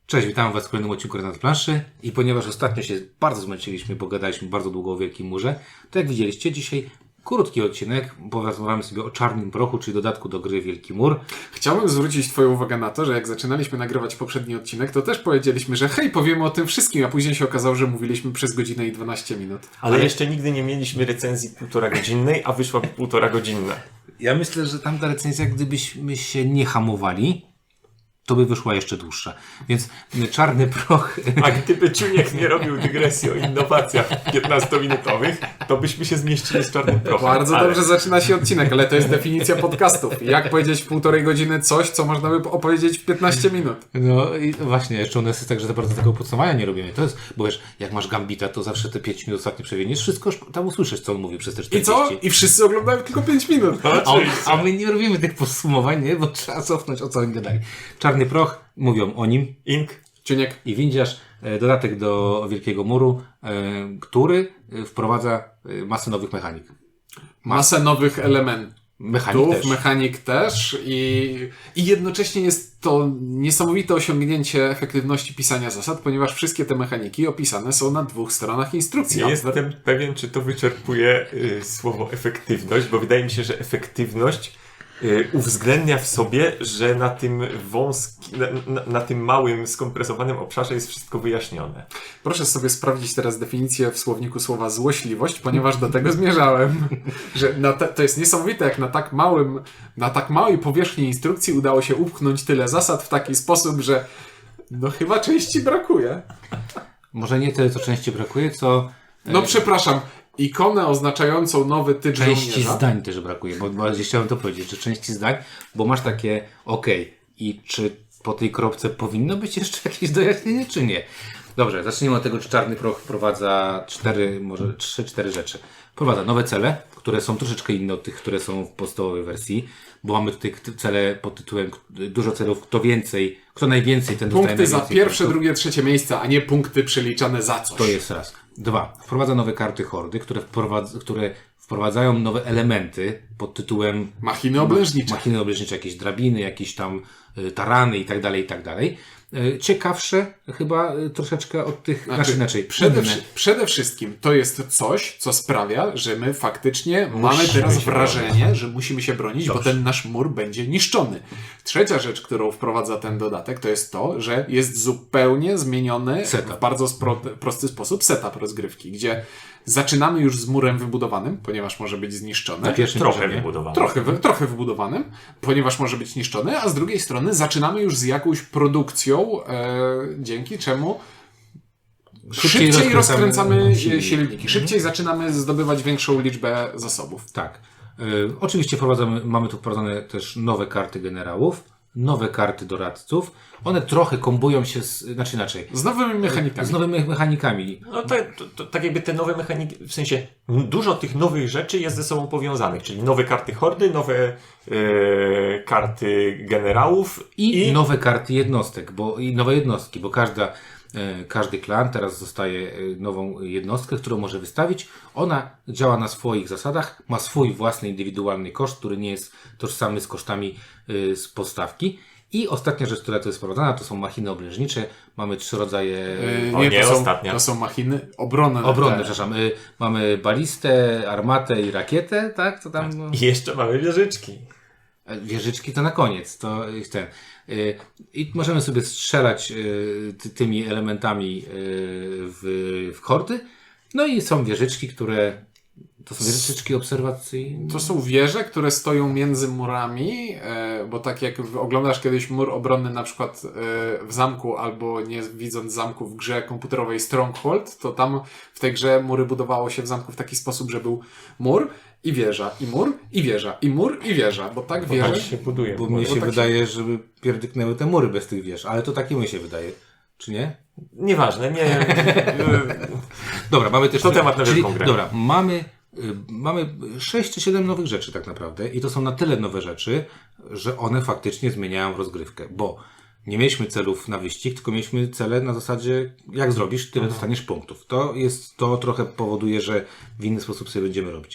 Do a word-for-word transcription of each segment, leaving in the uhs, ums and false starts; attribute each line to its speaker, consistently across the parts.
Speaker 1: Cześć, witam Was w kolejnym odcinku Renat Planszy i ponieważ ostatnio się bardzo zmęczyliśmy, bo gadaliśmy bardzo długo o Wielkim Murze, to jak widzieliście dzisiaj krótki odcinek, porozmawiamy sobie o Czarnym Prochu, czyli dodatku do gry Wielki Mur.
Speaker 2: Chciałbym zwrócić Twoją uwagę na to, że jak zaczynaliśmy nagrywać poprzedni odcinek, to też powiedzieliśmy, że hej, powiemy o tym wszystkim, a później się okazało, że mówiliśmy przez godzinę i dwanaście minut.
Speaker 3: Ale, Ale jeszcze nigdy nie mieliśmy recenzji półtora godzinnej, a wyszła półtora godzinna.
Speaker 1: Ja myślę, że tamta recenzja, gdybyśmy się nie hamowali, to by wyszła jeszcze dłuższa. Więc Czarny Proch...
Speaker 3: A gdyby Czuniek nie robił dygresji o innowacjach piętnastominutowych, to byśmy się zmieścili z Czarnym Prochem.
Speaker 2: Bardzo
Speaker 3: ale...
Speaker 2: dobrze zaczyna się odcinek, ale to jest definicja podcastów. Jak powiedzieć w półtorej godziny coś, co można by opowiedzieć w piętnaście minut.
Speaker 1: No i właśnie, jeszcze u nas jest tak, że za bardzo tego podsumowania nie robimy. To jest, bo wiesz, jak masz Gambita, to zawsze te pięć minut ostatnie przewiniesz, wszystko tam usłyszysz, co on mówi przez te czterdzieści.
Speaker 2: I co? I wszyscy oglądają tylko pięć minut.
Speaker 1: A, a my nie robimy tych podsumowań, nie? Bo trzeba cofnąć, o co oni gadali. Czarny Proch, mówią o nim.
Speaker 3: Ink.
Speaker 2: Czuniek.
Speaker 1: I Windziarz, dodatek do Wielkiego Muru, który wprowadza masę nowych mechanik.
Speaker 2: Masę nowych elementów.
Speaker 1: Mechanik też.
Speaker 2: Mechanik też i, i jednocześnie jest to niesamowite osiągnięcie efektywności pisania zasad, ponieważ wszystkie te mechaniki opisane są na dwóch stronach instrukcji.
Speaker 3: Nie jestem pewien, czy to wyczerpuje y, słowo efektywność, bo wydaje mi się, że efektywność y, uwzględnia w sobie, że na tym wąskim, na, na, na tym małym, skompresowanym obszarze jest wszystko wyjaśnione.
Speaker 2: Proszę sobie sprawdzić teraz definicję w słowniku słowa złośliwość, ponieważ do tego zmierzałem. Że na te, to jest niesamowite, jak na tak małym, na tak małej powierzchni instrukcji udało się upchnąć tyle zasad w taki sposób, że no chyba części brakuje.
Speaker 1: Może nie tyle, co części brakuje, co...
Speaker 2: No przepraszam, ikonę oznaczającą nowy typ
Speaker 1: Części
Speaker 2: żołnierza.
Speaker 1: zdań też brakuje, bo bardziej chciałem to powiedzieć, że części zdań, bo masz takie okej, i czy po tej kropce powinno być jeszcze jakieś dojaśnienie, czy nie? Dobrze, zacznijmy od tego, czy Czarny Proch wprowadza cztery, może trzy, cztery rzeczy. Wprowadza nowe cele, które są troszeczkę inne od tych, które są w podstawowej wersji, bo mamy tutaj cele pod tytułem dużo celów, kto więcej, kto najwięcej, ten dostaje
Speaker 2: Punkty za
Speaker 1: najwięcej
Speaker 2: pierwsze,
Speaker 1: punktów.
Speaker 2: drugie, trzecie miejsce, a nie punkty przeliczane za coś.
Speaker 1: To jest raz. Dwa. Wprowadza nowe karty hordy, które, wprowadz, które wprowadzają nowe elementy pod tytułem
Speaker 2: Machiny oblężnicze.
Speaker 1: Machiny oblężnicze, jakieś drabiny, jakieś tam y, tarany i tak dalej, i tak dalej. Y, ciekawsze chyba y, troszeczkę od tych, znaczy, znaczy inaczej.
Speaker 2: Przede,
Speaker 1: inne.
Speaker 2: przede wszystkim to jest coś, co sprawia, że my faktycznie
Speaker 1: Musimy
Speaker 2: mamy teraz
Speaker 1: się
Speaker 2: wrażenie,
Speaker 1: bronić.
Speaker 2: że musimy się bronić,
Speaker 1: Dobrze.
Speaker 2: bo ten nasz mur będzie niszczony. Trzecia rzecz, którą wprowadza ten dodatek, to jest to, że jest zupełnie zmieniony
Speaker 1: Setup.
Speaker 2: w bardzo spro, prosty sposób setup rozgrywki, gdzie zaczynamy już z murem wybudowanym, ponieważ może być zniszczony.
Speaker 1: Na pierwszym
Speaker 3: Trochę
Speaker 1: poziomie.
Speaker 3: wybudowane.
Speaker 2: Trochę, wy- trochę wybudowanym, ponieważ może być niszczony, a z drugiej strony zaczynamy już z jakąś produkcją, e, dzięki czemu szybciej,
Speaker 1: rozkręcamy
Speaker 2: rozkręcamy
Speaker 1: silniki.
Speaker 2: silniki. Szybciej zaczynamy zdobywać większą liczbę zasobów.
Speaker 1: Tak. Y, oczywiście wprowadzamy, mamy tu wprowadzone też nowe karty generałów, nowe karty doradców. One trochę kombują się, z, znaczy inaczej,
Speaker 2: Z nowymi mechanikami.
Speaker 1: z nowymi mechanikami.
Speaker 3: No to, to, to tak jakby te nowe mechaniki, w sensie dużo tych nowych rzeczy jest ze sobą powiązanych, czyli nowe karty hordy, nowe e, karty generałów
Speaker 1: I,
Speaker 3: i,
Speaker 1: nowe karty jednostek, bo i nowe jednostki, bo każda, e, każdy klan teraz dostaje e, nową jednostkę, którą może wystawić. Ona działa na swoich zasadach, ma swój własny indywidualny koszt, który nie jest tożsamy z kosztami e, z podstawki. I ostatnia rzecz, która tu jest wprowadzana, to są machiny oblężnicze. Mamy trzy rodzaje
Speaker 2: Yy,
Speaker 3: O
Speaker 2: nie,
Speaker 3: nie,
Speaker 2: to, są,
Speaker 3: ostatnia.
Speaker 2: to są machiny obronne.
Speaker 1: obronne,
Speaker 2: Te-
Speaker 1: przepraszam. Y, mamy balistę, armatę i rakietę, tak? To tam... no,
Speaker 3: i jeszcze mamy wieżyczki.
Speaker 1: E, Wieżyczki to na koniec, to jest ten. Y, I możemy sobie strzelać y, ty, tymi elementami y, w, w hordy. No i są wieżyczki, które to są wieżyczki obserwacyjne.
Speaker 2: To są wieże, które stoją między murami, e, bo tak jak w- oglądasz kiedyś mur obronny na przykład e, w zamku, albo nie widząc zamku w grze komputerowej Stronghold, to tam w tej grze mury budowało się w zamku w taki sposób, że był mur i wieża, i mur, i wieża, i mur, i wieża, bo tak
Speaker 3: Bo tak
Speaker 2: wieże...
Speaker 3: się buduje.
Speaker 1: Bo mnie
Speaker 2: bo
Speaker 1: się
Speaker 2: tak
Speaker 1: wydaje, żeby pierdyknęły te mury bez tych wież, ale to takie mi się wydaje. Czy nie?
Speaker 3: Nieważne, nie.
Speaker 1: Dobra, mamy też...
Speaker 3: To temat na
Speaker 1: czyli,
Speaker 3: wielką grę.
Speaker 1: Dobra, mamy, y, mamy sześć czy siedem nowych rzeczy tak naprawdę i to są na tyle nowe rzeczy, że one faktycznie zmieniają rozgrywkę, bo nie mieliśmy celów na wyścig, tylko mieliśmy cele na zasadzie jak zrobisz, tyle dostaniesz punktów. To jest, to trochę powoduje, że w inny sposób sobie będziemy robić.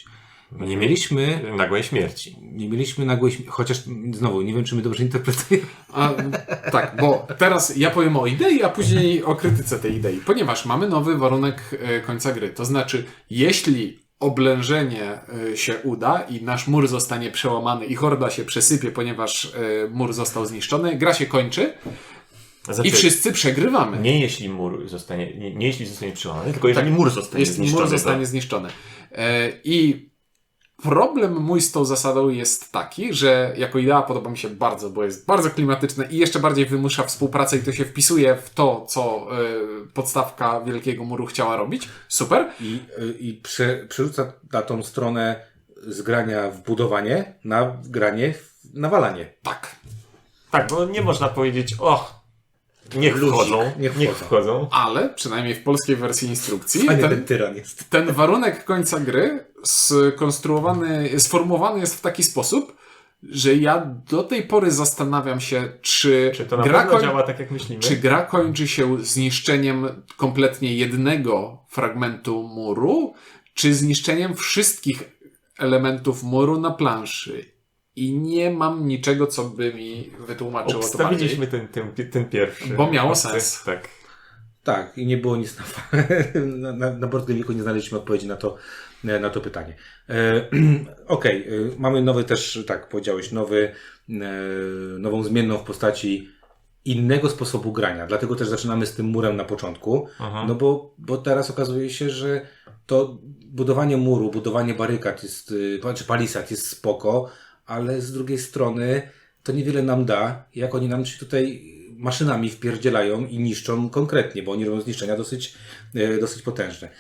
Speaker 1: Nie mieliśmy,
Speaker 3: Nagłej śmierci.
Speaker 1: nie mieliśmy nagłej śmierci, chociaż znowu, nie wiem, czy my dobrze interpretujemy.
Speaker 2: A, tak, bo teraz ja powiem o idei, a później o krytyce tej idei. Ponieważ mamy nowy warunek e, końca gry. To znaczy, jeśli oblężenie e, się uda i nasz mur zostanie przełamany i horda się przesypie, ponieważ e, mur został zniszczony, gra się kończy
Speaker 3: Znaczy,
Speaker 2: i wszyscy przegrywamy.
Speaker 3: Nie jeśli mur zostanie, nie, nie jeśli zostanie przełamany, tylko jeżeli
Speaker 2: Tak,
Speaker 3: mur zostanie
Speaker 2: Jeśli
Speaker 3: zniszczony.
Speaker 2: mur zostanie
Speaker 3: to...
Speaker 2: zniszczony. E, I problem mój z tą zasadą jest taki, że jako idea podoba mi się bardzo, bo jest bardzo klimatyczne i jeszcze bardziej wymusza współpracę i to się wpisuje w to, co y, podstawka Wielkiego Muru chciała robić. Super.
Speaker 1: I, i prze, przerzuca na tą stronę z grania w budowanie na granie w nawalanie.
Speaker 2: Tak.
Speaker 3: Tak, bo nie można powiedzieć, o, niech
Speaker 1: Luzik,
Speaker 3: wchodzą,
Speaker 1: niech
Speaker 3: niech
Speaker 1: wchodzą.
Speaker 3: wchodzą.
Speaker 2: Ale przynajmniej w polskiej wersji instrukcji
Speaker 1: Fajny ten
Speaker 2: ten,
Speaker 1: tyran jest.
Speaker 2: ten warunek końca gry skonstruowany, sformułowany jest w taki sposób, że ja do tej pory zastanawiam się, czy,
Speaker 3: Czy to na
Speaker 2: gra
Speaker 3: pewno
Speaker 2: koń...
Speaker 3: działa tak, jak myślimy?
Speaker 2: Czy gra kończy się zniszczeniem kompletnie jednego fragmentu muru, czy zniszczeniem wszystkich elementów muru na planszy? I nie mam niczego, co by mi wytłumaczyło to bardziej.
Speaker 3: Obstawiliśmy ten, ten, ten pierwszy.
Speaker 2: Bo miało
Speaker 3: opcję.
Speaker 2: sens.
Speaker 3: Tak.
Speaker 1: Tak, i nie było nic na, na, na, na Board Game Geeku nie znaleźliśmy odpowiedzi na to, na to pytanie. E, Okej, okay. Mamy nowy też, tak powiedziałeś, nowy, e, nową zmienną w postaci innego sposobu grania. Dlatego też zaczynamy z tym murem na początku.
Speaker 3: Aha.
Speaker 1: No bo, bo teraz okazuje się, że to budowanie muru, budowanie barykad jest, czy palisad jest spoko, ale z drugiej strony to niewiele nam da, jak oni nam się tutaj maszynami wpierdzielają i niszczą konkretnie, bo oni robią zniszczenia dosyć, dosyć potężne.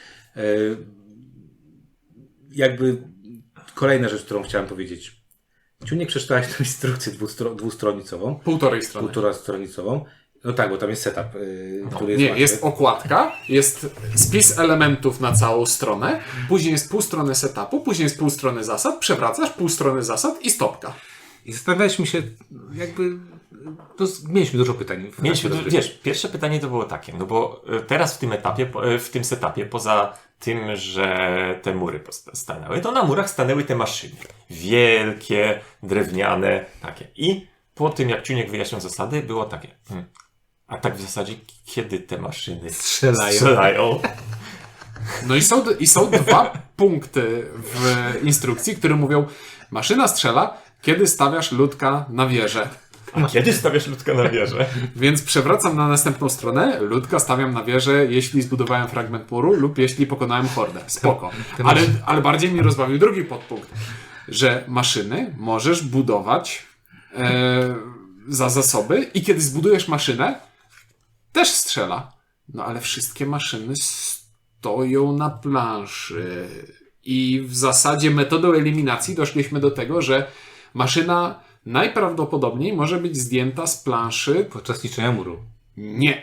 Speaker 1: Jakby kolejna rzecz, którą chciałem powiedzieć. Ciunek, przeczytałeś tę instrukcję dwustro, dwustronicową.
Speaker 2: Półtorej strony.
Speaker 1: Półtora stronicową. No tak, bo tam jest setup, yy,
Speaker 3: No.
Speaker 1: który jest
Speaker 2: Nie,
Speaker 1: łatwy.
Speaker 2: jest okładka, jest spis elementów na całą stronę, później jest pół strony setupu, później jest pół strony zasad, przewracasz pół strony zasad i stopka.
Speaker 1: I zastanawialiśmy się, jakby, to mieliśmy dużo pytań. w
Speaker 3: Mieliśmy,
Speaker 1: trakcie
Speaker 3: du- wiesz, pierwsze pytanie to było takie, no bo y, teraz w tym etapie, po- y, w tym setupie, poza tym, że te mury posta- stanęły, to na murach stanęły te maszyny. Wielkie, drewniane, takie. I po tym, jak Ciuniek wyjaśniał zasady, było takie, hmm, a tak w zasadzie, kiedy te maszyny
Speaker 1: Strzelają.
Speaker 3: strzelają?
Speaker 2: No i są, i są dwa punkty w instrukcji, które mówią, maszyna strzela, kiedy stawiasz ludka na wieżę.
Speaker 3: A kiedy stawiasz ludka na wieżę?
Speaker 2: Więc przewracam na następną stronę, ludka stawiam na wieżę, jeśli zbudowałem fragment muru lub jeśli pokonałem hordę. Spoko. Ale, ale bardziej mi rozbawił drugi podpunkt, że maszyny możesz budować e, za zasoby i kiedy zbudujesz maszynę, też strzela. No ale wszystkie maszyny stoją na planszy. I w zasadzie metodą eliminacji doszliśmy do tego, że maszyna najprawdopodobniej może być zdjęta z planszy.
Speaker 1: Podczas niszczenia muru.
Speaker 2: Nie.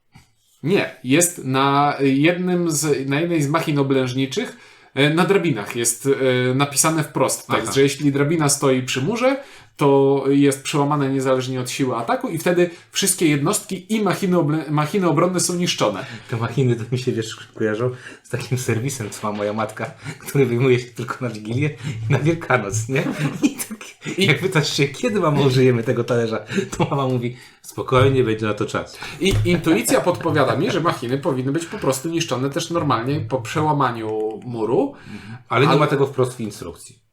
Speaker 2: Nie. Jest na jednym z, na jednej z machin oblężniczych, e, na drabinach jest e, napisane wprost tekst,
Speaker 1: Aha.
Speaker 2: że jeśli drabina stoi przy murze, to jest przełamane niezależnie od siły ataku i wtedy wszystkie jednostki i machiny, oble- machiny obronne są niszczone.
Speaker 1: Te machiny to mi się, wiesz, kojarzą z takim serwisem, co ma moja matka, który wyjmuje się tylko na Wigilię i na Wielkanoc, nie? I tak,
Speaker 2: I-
Speaker 1: jak pytasz się, kiedy mama użyjemy tego talerza, to mama mówi, spokojnie, będzie na to czas.
Speaker 2: I intuicja podpowiada mi, że machiny powinny być po prostu niszczone też normalnie po przełamaniu muru.
Speaker 1: Ale nie
Speaker 2: Ale-
Speaker 1: ma tego wprost w instrukcji.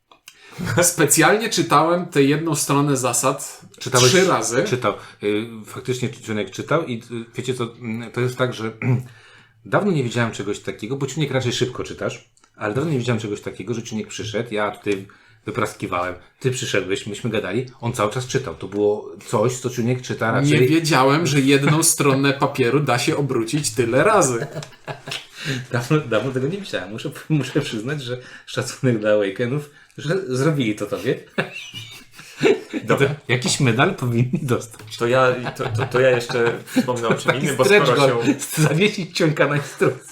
Speaker 2: Specjalnie czytałem tę jedną stronę zasad
Speaker 1: Czytałeś-
Speaker 2: trzy razy.
Speaker 1: Czytał. Y, Faktycznie Ciunek czytał i y, wiecie co, mm, to jest tak, że dawno nie widziałem czegoś takiego, bo Ciunek raczej szybko czytasz, ale dawno nie widziałem czegoś takiego, że Ciunek przyszedł, ja tutaj wypraskiwałem, ty przyszedłeś, myśmy gadali, on cały czas czytał. To było coś, co Ciunek czyta raczej...
Speaker 2: Nie wiedziałem, że jedną stronę papieru da się obrócić tyle razy.
Speaker 1: Dawno, dawno tego nie widziałem. Muszę, muszę przyznać, że szacunek dla Awakenów, że zrobili to tobie.
Speaker 3: Dobra.
Speaker 1: To jakiś medal powinni dostać.
Speaker 3: To ja, to, to, to ja jeszcze wspomnę o czym innym, bo
Speaker 1: Stretch
Speaker 3: skoro się...
Speaker 1: goal, zawiesić ciąka na instrukcji.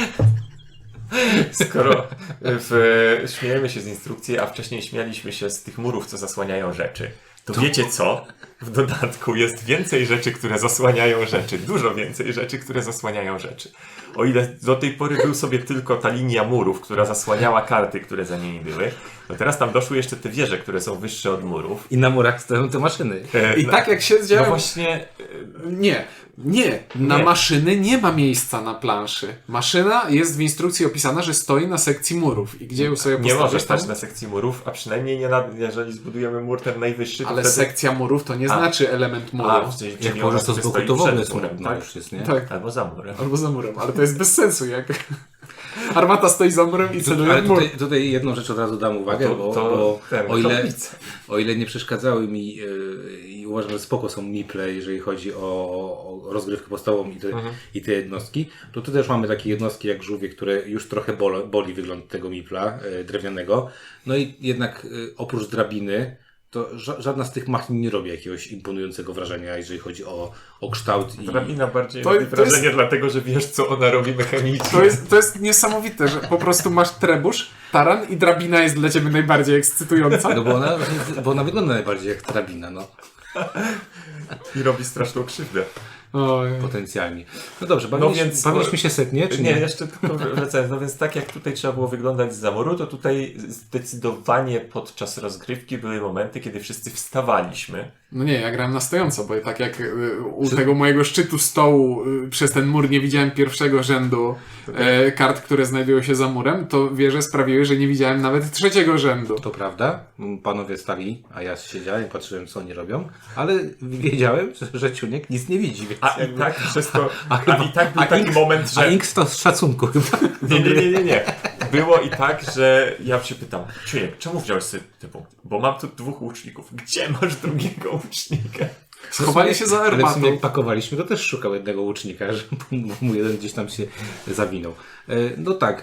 Speaker 3: Skoro w, śmiejemy się z instrukcji, a wcześniej śmialiśmy się z tych murów, co zasłaniają rzeczy, to wiecie co? w dodatku jest więcej rzeczy, które zasłaniają rzeczy. Dużo więcej rzeczy, które zasłaniają rzeczy. O ile do tej pory był sobie tylko ta linia murów, która zasłaniała karty, które za nimi były, to teraz tam doszły jeszcze te wieże, które są wyższe od murów.
Speaker 1: I na murach stoją te maszyny.
Speaker 3: E,
Speaker 2: I
Speaker 3: na-
Speaker 2: tak jak się
Speaker 3: No
Speaker 2: zdziała...
Speaker 3: właśnie, e,
Speaker 2: Nie, nie. Na
Speaker 3: Nie.
Speaker 2: maszyny nie ma miejsca na planszy. Maszyna jest w instrukcji opisana, że stoi na sekcji murów. I gdzie ją sobie
Speaker 3: nie
Speaker 2: postawisz
Speaker 3: może
Speaker 2: tam?
Speaker 3: stać na sekcji murów, a przynajmniej nie na, jeżeli zbudujemy mur ten najwyższy, to
Speaker 2: Ale
Speaker 3: wtedy...
Speaker 2: sekcja murów to nie
Speaker 3: A.
Speaker 2: znaczy element muru.
Speaker 3: A, czyli,
Speaker 1: Jak
Speaker 3: czyli
Speaker 1: położysz
Speaker 3: ona
Speaker 1: to z
Speaker 3: sobie
Speaker 1: boku,
Speaker 3: stoi
Speaker 1: to w ogóle
Speaker 3: przed murem,
Speaker 1: smutno
Speaker 3: tak?
Speaker 1: już jest, nie?
Speaker 2: Tak.
Speaker 3: Albo za murem.
Speaker 2: Albo za murem, ale to jest bez sensu, jak armata stoi za murem i celuje
Speaker 1: Ale
Speaker 2: w mur.
Speaker 1: tutaj, tutaj jedną rzecz od razu dam uwagę,
Speaker 3: To-
Speaker 1: bo,
Speaker 3: to
Speaker 1: bo
Speaker 3: ten,
Speaker 1: o, ile,
Speaker 3: kaplica.
Speaker 1: o ile nie przeszkadzały mi yy, i uważam, że spoko są miple, jeżeli chodzi o, o rozgrywkę podstawową i te,
Speaker 3: Mhm.
Speaker 1: i te jednostki, to tu też mamy takie jednostki jak żółwie, które już trochę bolo, boli wygląd tego mipla yy, drewnianego. No i jednak yy, oprócz drabiny to ża- żadna z tych machin nie robi jakiegoś imponującego wrażenia, jeżeli chodzi o, o kształt i...
Speaker 3: Drabina bardziej
Speaker 2: To-
Speaker 3: robi
Speaker 2: to
Speaker 3: wrażenie,
Speaker 2: jest-
Speaker 3: dlatego że wiesz, co ona robi mechanicznie.
Speaker 2: To jest, to jest niesamowite, że po prostu masz trebusz, taran i drabina jest dla ciebie najbardziej ekscytująca.
Speaker 1: No bo ona, bo ona wygląda najbardziej jak drabina, no.
Speaker 3: I robi straszną krzywdę.
Speaker 2: Oj.
Speaker 1: Potencjalnie. No dobrze, bawiliśmy,
Speaker 3: więc-
Speaker 1: bawiliśmy się setnie, czy nie?
Speaker 3: Nie, jeszcze tylko wracając. No więc tak jak tutaj trzeba było wyglądać z muru, to tutaj zdecydowanie podczas rozgrywki były momenty, kiedy wszyscy wstawaliśmy.
Speaker 2: No nie, ja grałem na stojąco, bo tak jak y, u tego mojego szczytu stołu y, przez ten mur nie widziałem pierwszego rzędu e, kart, które znajdują się za murem, to wieże sprawiły, że nie widziałem nawet trzeciego rzędu.
Speaker 1: To prawda, panowie stali, a ja siedziałem i patrzyłem, co oni robią, ale wiedziałem, że, że Ciuniek nic nie widzi, więc
Speaker 3: A i
Speaker 1: jakby-
Speaker 3: tak przez to,
Speaker 1: a,
Speaker 3: a i tak był taki
Speaker 1: Inks-
Speaker 3: moment,
Speaker 1: A
Speaker 3: że...
Speaker 1: Inks to z szacunku chyba.
Speaker 3: Nie, nie, nie, nie, nie. Było i tak, że ja się pytam, Ciuniek, czemu wziąłeś sobie te punkty? Bo mam tu dwóch łuczników. Gdzie masz drugiego łucznika?
Speaker 2: Schowali się za
Speaker 1: Ale w sumie
Speaker 2: armatą.
Speaker 1: jak pakowaliśmy, to też szukał jednego łucznika, że mu jeden gdzieś tam się zawinął. E, No tak,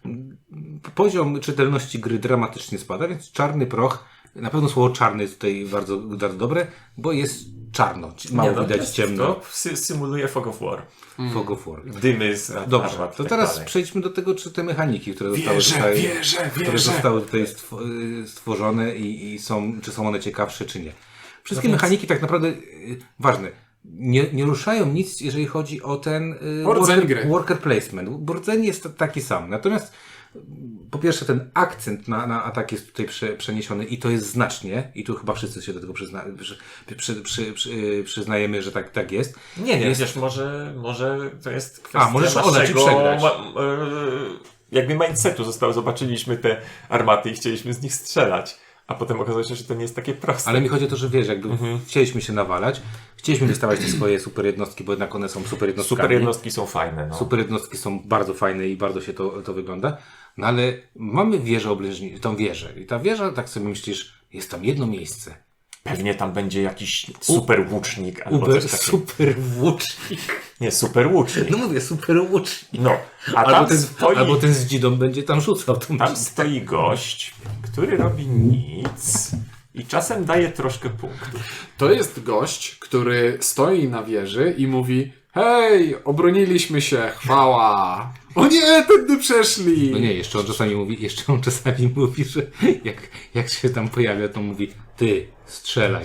Speaker 1: e, poziom czytelności gry dramatycznie spada, więc czarny proch, na pewno słowo czarny jest tutaj bardzo, bardzo dobre, bo jest czarno, mało
Speaker 3: Nie, no,
Speaker 1: widać
Speaker 3: jest-
Speaker 1: ciemno.
Speaker 3: To sy- symuluje Fog of War.
Speaker 1: Fog of War.
Speaker 3: Dymy z ar-
Speaker 1: Dobrze,
Speaker 3: armat i
Speaker 1: to
Speaker 3: tak
Speaker 1: teraz
Speaker 3: dalej.
Speaker 1: przejdźmy do tego, czy te mechaniki, które zostały
Speaker 2: Wieże,
Speaker 1: tutaj,
Speaker 2: wieże,
Speaker 1: które
Speaker 2: wieże.
Speaker 1: zostały tutaj stwo- y, stworzone i, i są, czy są one ciekawsze, czy nie. Wszystkie
Speaker 3: No więc-
Speaker 1: mechaniki tak naprawdę, y, ważne, nie, nie ruszają nic, jeżeli chodzi o ten y,
Speaker 2: O rdzeń
Speaker 1: worker,
Speaker 2: gry.
Speaker 1: worker placement. Bo rdzeń jest taki sam. Natomiast y, po pierwsze ten akcent na, na atak jest tutaj prze, przeniesiony i to jest znacznie i tu chyba wszyscy się do tego przyzna, przy, przy, przy, przy, y, przyznajemy, że tak, tak jest.
Speaker 3: Nie, nie,
Speaker 1: Jest-
Speaker 3: wiesz, może, może to jest kwestia
Speaker 1: A, możesz oddać i
Speaker 3: naszego
Speaker 1: przegrać.
Speaker 3: ma, e, jakby mindsetu zostało, zobaczyliśmy te armaty i chcieliśmy z nich strzelać, a potem okazało się, że to nie jest takie proste.
Speaker 1: Ale mi chodzi o to, że wiesz, jakby
Speaker 3: Mhm.
Speaker 1: chcieliśmy się nawalać, chcieliśmy wystawiać te swoje super jednostki, bo jednak one są super jednostkami.
Speaker 3: Super jednostki są fajne, no.
Speaker 1: Super jednostki są bardzo fajne i bardzo się to, to wygląda. No ale mamy wieżę oblężni, tą wieżę. I ta wieża, tak sobie myślisz, jest tam jedno miejsce.
Speaker 3: Pewnie tam będzie jakiś super łucznik albo
Speaker 1: Uber,
Speaker 3: coś takiego.
Speaker 1: super włócznik.
Speaker 3: Nie, super łucznik.
Speaker 1: No mówię, super włócznik.
Speaker 3: No, a
Speaker 1: Albo
Speaker 3: tam
Speaker 1: ten,
Speaker 3: stoi,
Speaker 1: albo ten z dzidą będzie tam rzucał tą
Speaker 3: tam
Speaker 1: dzidę.
Speaker 3: stoi gość, który robi nic i czasem daje troszkę punktów.
Speaker 2: To jest gość, który stoi na wieży i mówi: hej, obroniliśmy się, chwała. O nie, tędy przeszli.
Speaker 1: No nie, jeszcze on czasami mówi, jeszcze on czasami mówi, że jak, jak się tam pojawia, to mówi, ty, strzelaj.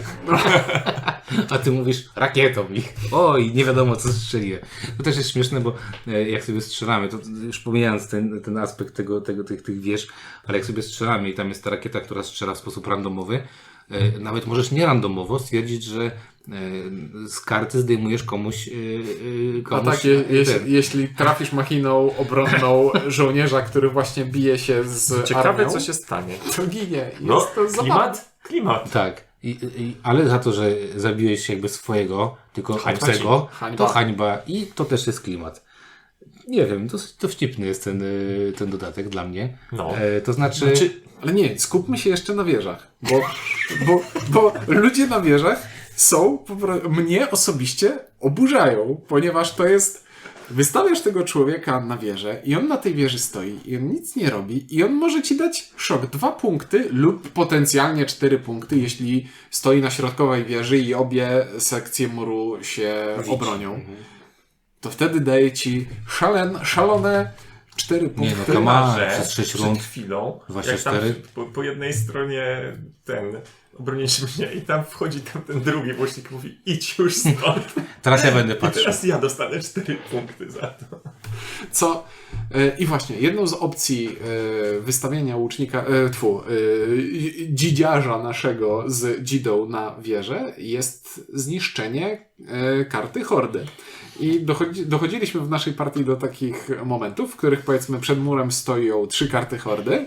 Speaker 1: A ty mówisz, rakietą ich. Oj, nie wiadomo co strzeliłem. To też jest śmieszne, bo e, jak sobie strzelamy, to już pomijając ten, ten aspekt tego, tego, tych, tych wież, ale jak sobie strzelamy i tam jest ta rakieta, która strzela w sposób randomowy, e, nawet możesz nie randomowo stwierdzić, że e, z karty zdejmujesz komuś, e, e,
Speaker 2: A
Speaker 1: komuś
Speaker 2: tak, je, jeś,
Speaker 1: ten.
Speaker 2: jeśli trafisz machiną obronną żołnierza, który właśnie bije się z
Speaker 3: Ciekawe,
Speaker 2: armią,
Speaker 3: co się stanie.
Speaker 2: to ginie. Jest
Speaker 3: No,
Speaker 2: to zabawne.
Speaker 3: klimat? Klimat.
Speaker 1: Tak. I, i, ale za to, że zabiłeś jakby swojego, tylko
Speaker 3: Hańba
Speaker 1: obcego,
Speaker 2: ci. Hańba.
Speaker 1: to hańba i to też jest klimat. Nie wiem, to, to wścibny jest ten, y, ten dodatek dla mnie.
Speaker 3: No.
Speaker 1: E, to znaczy,
Speaker 3: Znaczy,
Speaker 2: Ale nie, skupmy się jeszcze na wieżach, bo, bo, bo ludzie na wieżach są, po pro- mnie osobiście oburzają, ponieważ to jest, wystawiasz tego człowieka na wieżę i on na tej wieży stoi i on nic nie robi i on może ci dać szok, dwa punkty lub potencjalnie cztery punkty, jeśli stoi na środkowej wieży i obie sekcje muru się obronią. To wtedy daje ci szalen, szalone cztery punkty.
Speaker 1: no, come on.
Speaker 3: że
Speaker 1: przez sześć
Speaker 3: przed
Speaker 1: rund.
Speaker 3: chwilą,
Speaker 1: Dwadzieścia
Speaker 3: jak tam
Speaker 1: cztery.
Speaker 3: po, po jednej stronie ten obronisz mnie i tam wchodzi tam ten drugi włośnik i mówi idź już stąd.
Speaker 1: Teraz ja będę
Speaker 3: I
Speaker 1: patrzył.
Speaker 3: teraz ja dostanę cztery punkty za to.
Speaker 2: Co? E, I właśnie, jedną z opcji e, wystawienia łucznika, e, tfu, e, dzidziarza naszego z dzidą na wieżę jest zniszczenie e, karty hordy. I dochodzi, dochodziliśmy w naszej partii do takich momentów, w których powiedzmy przed murem stoją trzy karty hordy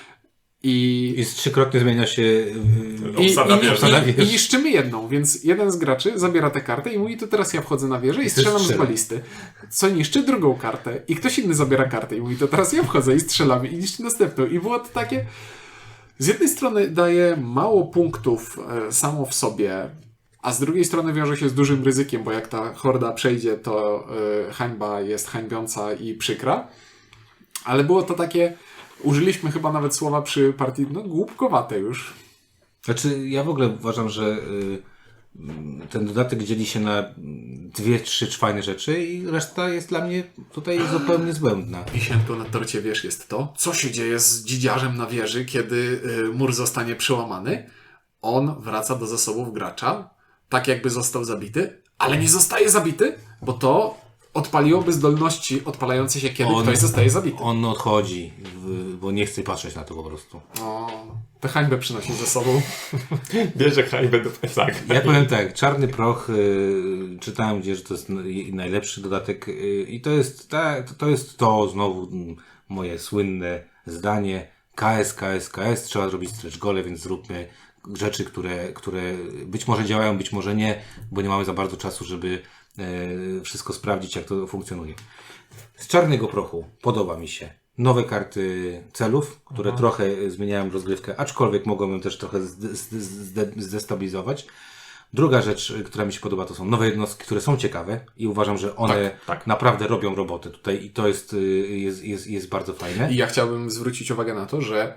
Speaker 2: i
Speaker 1: I z trzykrotnie zmienia się yy,
Speaker 2: I,
Speaker 3: Obsada
Speaker 2: i,
Speaker 3: wieży.
Speaker 2: i, I niszczymy jedną, więc jeden z graczy zabiera tę kartę i mówi, to teraz ja wchodzę na wieżę i strzelam z
Speaker 1: strzelam.
Speaker 2: balisty. Co niszczy drugą kartę. I ktoś inny zabiera kartę i mówi, to teraz ja wchodzę i strzelam i niszczy następną. I było to takie... Z jednej strony daje mało punktów e, samo w sobie, a z drugiej strony wiąże się z dużym ryzykiem, bo jak ta horda przejdzie, to e, hańba jest hańbiąca i przykra. Ale było to takie... Użyliśmy chyba nawet słowa przy partii, no głupkowate już.
Speaker 1: Znaczy, ja w ogóle uważam, że y, ten dodatek dzieli się na dwie, trzy fajne rzeczy i reszta jest dla mnie tutaj zupełnie zbędna.
Speaker 2: Wisienką na torcie, wiesz, jest to, co się dzieje z dzidziarzem na wieży, kiedy y, mur zostanie przełamany. On wraca do zasobów gracza, tak jakby został zabity, ale nie zostaje zabity, bo to odpaliłoby zdolności odpalające się, kiedy
Speaker 1: On-
Speaker 2: ktoś zostaje zabity.
Speaker 1: On odchodzi, w, bo nie chce patrzeć na to po prostu.
Speaker 2: O, tę hańbę przynosi ze sobą.
Speaker 3: Bierze hańbę do plecaka.
Speaker 1: Ja powiem tak, Czarny Proch, y, czytałem gdzieś, że to jest n- najlepszy dodatek y, i to jest, ta, to jest to znowu mm, moje słynne zdanie K S, K S, K S, trzeba zrobić stretch gole, więc zróbmy rzeczy, które, które być może działają, być może nie, bo nie mamy za bardzo czasu, żeby e, wszystko sprawdzić, jak to funkcjonuje. Z Czarnego Prochu podoba mi się nowe karty celów, które trochę zmieniają rozgrywkę, aczkolwiek mogą ją też trochę zde- zde- zde- zdestabilizować. Druga rzecz, która mi się podoba, to są nowe jednostki, które są ciekawe i uważam, że one
Speaker 3: Tak, tak.
Speaker 1: naprawdę robią robotę tutaj i to jest, y, jest, jest, jest bardzo fajne.
Speaker 2: I ja chciałbym zwrócić uwagę na to, że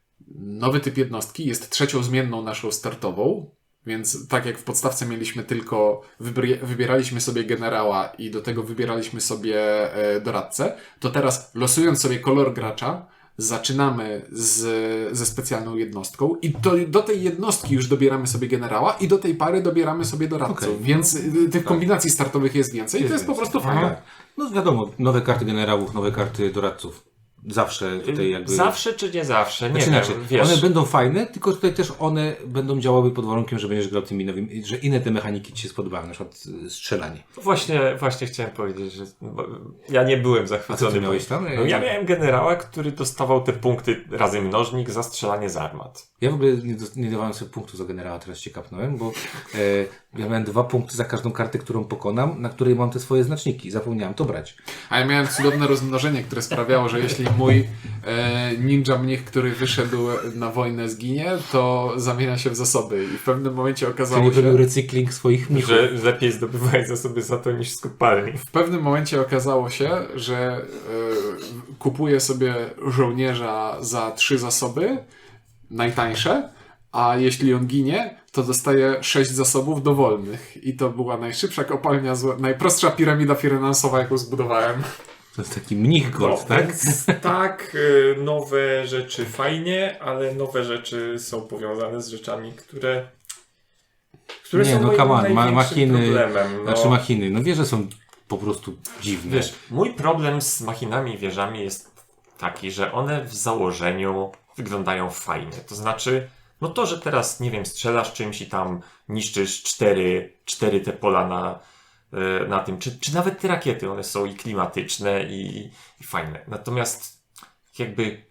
Speaker 2: nowy typ jednostki jest trzecią zmienną naszą startową, więc tak jak w podstawce mieliśmy tylko, wybry- wybieraliśmy sobie generała i do tego wybieraliśmy sobie e, doradcę, to teraz losując sobie kolor gracza, zaczynamy z, ze specjalną jednostką i to, do tej jednostki już dobieramy sobie generała i do tej pary dobieramy sobie doradcę,
Speaker 1: Okej.
Speaker 2: więc y, tych kombinacji startowych jest więcej i to jest po prostu fajne.
Speaker 1: Tak. No wiadomo, nowe karty generałów, nowe karty doradców. Zawsze tutaj jakby...
Speaker 3: Zawsze czy nie zawsze? Nie
Speaker 1: Znaczy
Speaker 3: wiem,
Speaker 1: inaczej,
Speaker 3: wiesz.
Speaker 1: one będą fajne, tylko tutaj też one będą działały pod warunkiem, że będziesz grał tymi nowymi, że inne te mechaniki ci się spodobają, na przykład y, strzelanie.
Speaker 3: Właśnie, właśnie chciałem powiedzieć, że bo ja nie byłem
Speaker 1: A
Speaker 3: zachwycony.
Speaker 1: co ty miałeś tam?
Speaker 3: No, ja miałem generała, który dostawał te punkty razy mnożnik za strzelanie z armat.
Speaker 1: Ja w ogóle nie, dos- nie dawałem sobie punktu za generała, teraz się kapnąłem, bo e, ja miałem dwa punkty za każdą kartę, którą pokonam, na której mam te swoje znaczniki. Zapomniałem to brać.
Speaker 2: A ja miałem cudowne rozmnożenie, które sprawiało, że jeśli mój e, ninja mnich, który wyszedł na wojnę, zginie, to zamienia się w zasoby. I w pewnym momencie
Speaker 1: Czyli
Speaker 2: okazało
Speaker 1: robił
Speaker 2: się,
Speaker 1: recykling swoich mnichów.
Speaker 3: Że lepiej zdobywać zasoby za to niż z kopalni.
Speaker 2: w pewnym momencie okazało się, że e, kupuję sobie żołnierza za trzy zasoby, najtańsze, a jeśli on ginie, to dostaje sześć zasobów dowolnych. I to była najszybsza kopalnia, zła- najprostsza piramida finansowa, jaką zbudowałem.
Speaker 1: To jest taki mnich gold, tak?
Speaker 3: Więc tak, y, nowe rzeczy fajnie, ale nowe rzeczy są powiązane z rzeczami, które które
Speaker 1: Nie,
Speaker 3: są
Speaker 1: no
Speaker 3: moim
Speaker 1: come on, ma,
Speaker 3: największym
Speaker 1: machiny,
Speaker 3: problemem. No.
Speaker 1: znaczy machiny, no wie, że są po prostu dziwne.
Speaker 3: Wiesz, mój problem z machinami i wieżami jest taki, że one w założeniu wyglądają fajnie. To znaczy, no to, że teraz, nie wiem, strzelasz czymś i tam niszczysz cztery, cztery te pola na, e, na tym, czy, czy nawet te rakiety, one są i klimatyczne i, i fajne. Natomiast jakby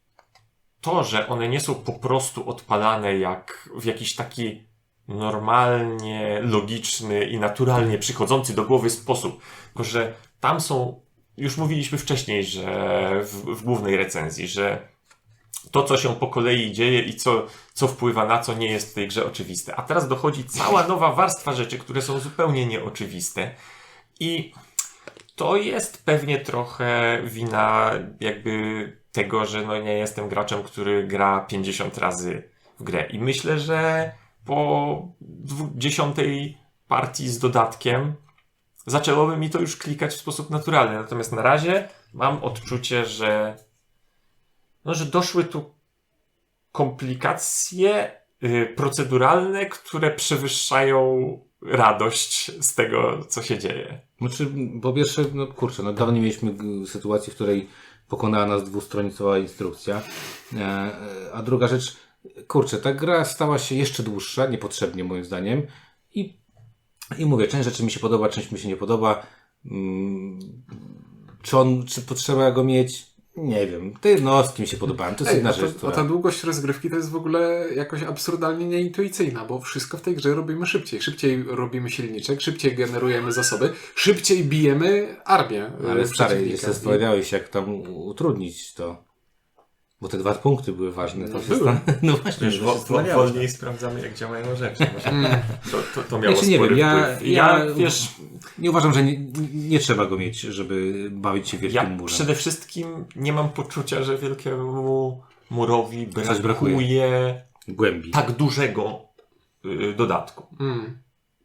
Speaker 3: to, że one nie są po prostu odpalane jak w jakiś taki normalnie, logiczny i naturalnie przychodzący do głowy sposób. Tylko, że tam są, już mówiliśmy wcześniej, że w, w głównej recenzji, że to, co się po kolei dzieje i co, co wpływa na co, nie jest w tej grze oczywiste. A teraz dochodzi cała nowa warstwa rzeczy, które są zupełnie nieoczywiste. I to jest pewnie trochę wina jakby tego, że no nie jestem graczem, który gra pięćdziesiąt razy w grę. I myślę, że po dziesiątej partii z dodatkiem zaczęłoby mi to już klikać w sposób naturalny. Natomiast na razie mam odczucie, że no, że doszły tu komplikacje y, proceduralne, które przewyższają radość z tego, co się dzieje.
Speaker 1: Znaczy, po pierwsze, no kurczę, no dawno nie mieliśmy g- sytuacji, w której pokonała nas dwustronicowa instrukcja. E, e, a druga rzecz, kurczę, ta gra stała się jeszcze dłuższa, niepotrzebnie moim zdaniem. I, i mówię, część rzeczy mi się podoba, część mi się nie podoba. Mm, czy on, czy potrzeba go mieć? Nie wiem. Te jednostki mi się podobają. To jest
Speaker 2: Ej,
Speaker 1: jedna
Speaker 2: a,
Speaker 1: rzecz,
Speaker 2: to,
Speaker 1: która...
Speaker 2: a ta długość rozgrywki to jest w ogóle jakoś absurdalnie nieintuicyjna, bo wszystko w tej grze robimy szybciej. Szybciej robimy silniczek, szybciej generujemy zasoby, szybciej bijemy armię.
Speaker 1: Ale
Speaker 2: e,
Speaker 1: stary,
Speaker 2: przeciwnika.
Speaker 1: się zastanawiałeś, jak tam u- utrudnić to. Bo te dwa punkty były ważne. To
Speaker 2: No
Speaker 1: się
Speaker 2: były.
Speaker 1: stan... No właśnie,
Speaker 3: Wiesz,
Speaker 1: że
Speaker 3: wo,
Speaker 1: się
Speaker 3: wo,
Speaker 1: zastanawiałeś.
Speaker 3: wolniej sprawdzamy, jak działają rzeczy.
Speaker 2: Mm.
Speaker 3: To, to, to miało
Speaker 1: Ja się nie
Speaker 3: spory
Speaker 1: wiem, ja,
Speaker 3: wpływ.
Speaker 1: ja,
Speaker 3: ja, wiesz,
Speaker 1: nie uważam, że nie, nie trzeba go mieć, żeby bawić się wielkim
Speaker 3: ja
Speaker 1: murem.
Speaker 3: przede wszystkim nie mam poczucia, że wielkiemu murowi
Speaker 1: Coś
Speaker 3: brakuje,
Speaker 1: brakuje. Głębi.
Speaker 3: tak dużego y, dodatku.
Speaker 2: Mm.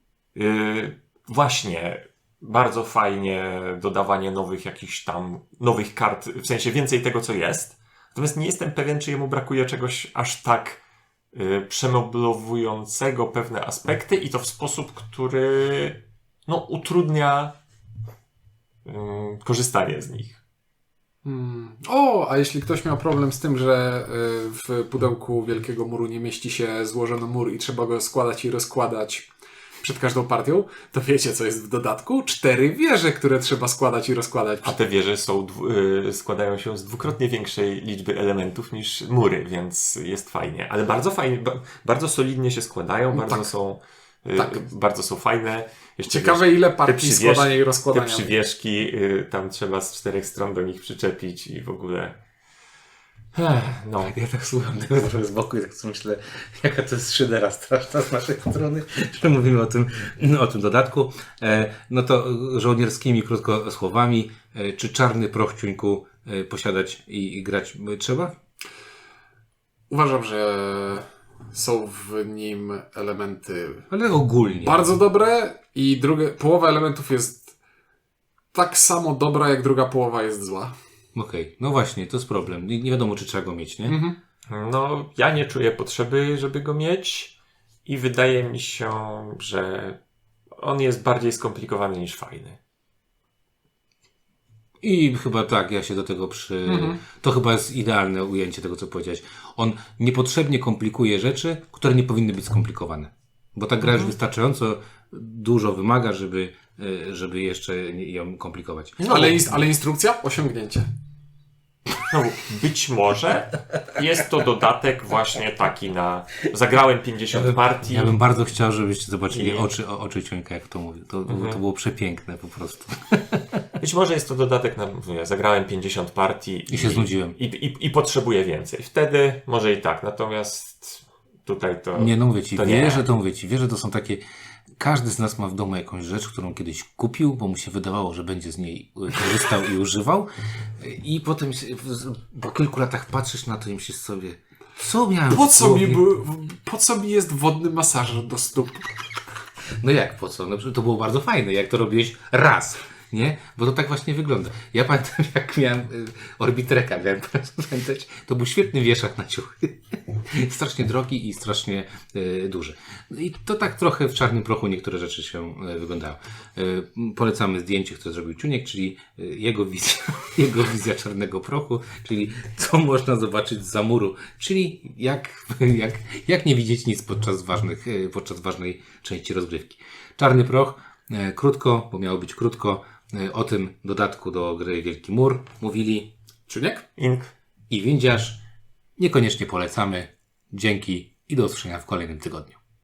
Speaker 3: Y, właśnie, bardzo fajnie dodawanie nowych jakichś tam, nowych kart, w sensie więcej tego, co jest. Natomiast nie jestem pewien, czy jemu brakuje czegoś aż tak y, przemoblowującego pewne aspekty i to w sposób, który no, utrudnia y, korzystanie z nich.
Speaker 2: Mm. O, a jeśli ktoś miał problem z tym, że y, w pudełku Wielkiego Muru nie mieści się złożony mur i trzeba go składać i rozkładać przed każdą partią, to wiecie, co jest w dodatku? Cztery wieże, które trzeba składać i rozkładać.
Speaker 3: A te wieże są, dwu, y, składają się z dwukrotnie większej liczby elementów niż mury, więc jest fajnie. Ale bardzo fajnie, ba, bardzo solidnie się składają, bardzo
Speaker 2: tak.
Speaker 3: są y,
Speaker 2: Tak.
Speaker 3: bardzo są fajne. Jeszcze
Speaker 2: Ciekawe,
Speaker 3: wiesz,
Speaker 2: ile
Speaker 3: te
Speaker 2: partii
Speaker 3: przywiesz-
Speaker 2: składania i
Speaker 3: Te
Speaker 2: rozkładania.
Speaker 3: przywieszki, y, tam trzeba z czterech stron do nich przyczepić i w ogóle... Ech, no.
Speaker 1: Ja tak słucham tego trochę z boku i tak sobie myślę, jaka to jest szydera straszna z naszej strony, że mówimy o tym, o tym dodatku. E, no to żołnierskimi krótko słowami, e, czy czarny proch ciuńku e, posiadać i, i grać trzeba?
Speaker 2: Uważam, że są w nim elementy
Speaker 1: Ale ogólnie.
Speaker 2: bardzo dobre i drugie, połowa elementów jest tak samo dobra, jak druga połowa jest zła.
Speaker 1: Okej, no właśnie, to jest problem. Nie, nie wiadomo, czy trzeba go mieć, nie?
Speaker 2: Mhm.
Speaker 3: No, ja nie czuję potrzeby, żeby go mieć i wydaje mi się, że on jest bardziej skomplikowany niż fajny.
Speaker 1: I chyba tak, ja się do tego przy...
Speaker 2: Mhm.
Speaker 1: To chyba jest idealne ujęcie tego, co powiedziałeś. On niepotrzebnie komplikuje rzeczy, które nie powinny być skomplikowane. Bo ta gra już wystarczająco dużo wymaga, żeby, e, żeby jeszcze nie- ją komplikować.
Speaker 3: No,
Speaker 2: Ale, ins- ale instrukcja? Osiągnięcie.
Speaker 3: No, być może jest to dodatek właśnie taki na... Zagrałem pięćdziesiąt partii.
Speaker 1: Ja bym bardzo chciał, żebyście zobaczyli
Speaker 3: I-
Speaker 1: oczy, o, oczy Ciuńka, jak to mówi. To, to było przepiękne po prostu.
Speaker 3: Być może jest to dodatek na... Mówię, zagrałem pięćdziesiąt partii
Speaker 1: I się znudziłem.
Speaker 3: I, i, i potrzebuję więcej. Wtedy może i tak. Natomiast tutaj to...
Speaker 1: Nie, no mówię ci,
Speaker 3: to nie.
Speaker 1: wieże to mówię ci, wieże to są takie... Każdy z nas ma w domu jakąś rzecz, którą kiedyś kupił, bo mu się wydawało, że będzie z niej y, korzystał i używał. I potem się- w- po kilku latach patrzysz na to i myślisz sobie, co miałem
Speaker 2: Po
Speaker 1: w
Speaker 2: co, mi
Speaker 1: głowie?
Speaker 2: był, po co mi jest wodny masażer do stóp?
Speaker 1: No jak, po co? No, przecież to było bardzo fajne, jak to robiłeś raz, nie? Bo to tak właśnie wygląda. Ja pamiętam, jak miałem y, Orbitreka, miałem pamiętać, to był świetny wieszak na ciuchy. Strasznie drogi i strasznie y, duży. No I to tak trochę w czarnym prochu niektóre rzeczy się y, wyglądają. Y, polecamy zdjęcie, które zrobił Ciuniek, czyli y, jego wizja, jego wizja czarnego prochu, czyli co można zobaczyć za muru, czyli jak, jak, jak nie widzieć nic podczas ważnych, y, podczas ważnej części rozgrywki. Czarny proch, e, krótko, bo miało być krótko, e, o tym dodatku do gry Wielki Mur mówili
Speaker 2: Czuniek?
Speaker 3: Ink.
Speaker 1: i Windziarz. Niekoniecznie polecamy. Dzięki i do usłyszenia w kolejnym tygodniu.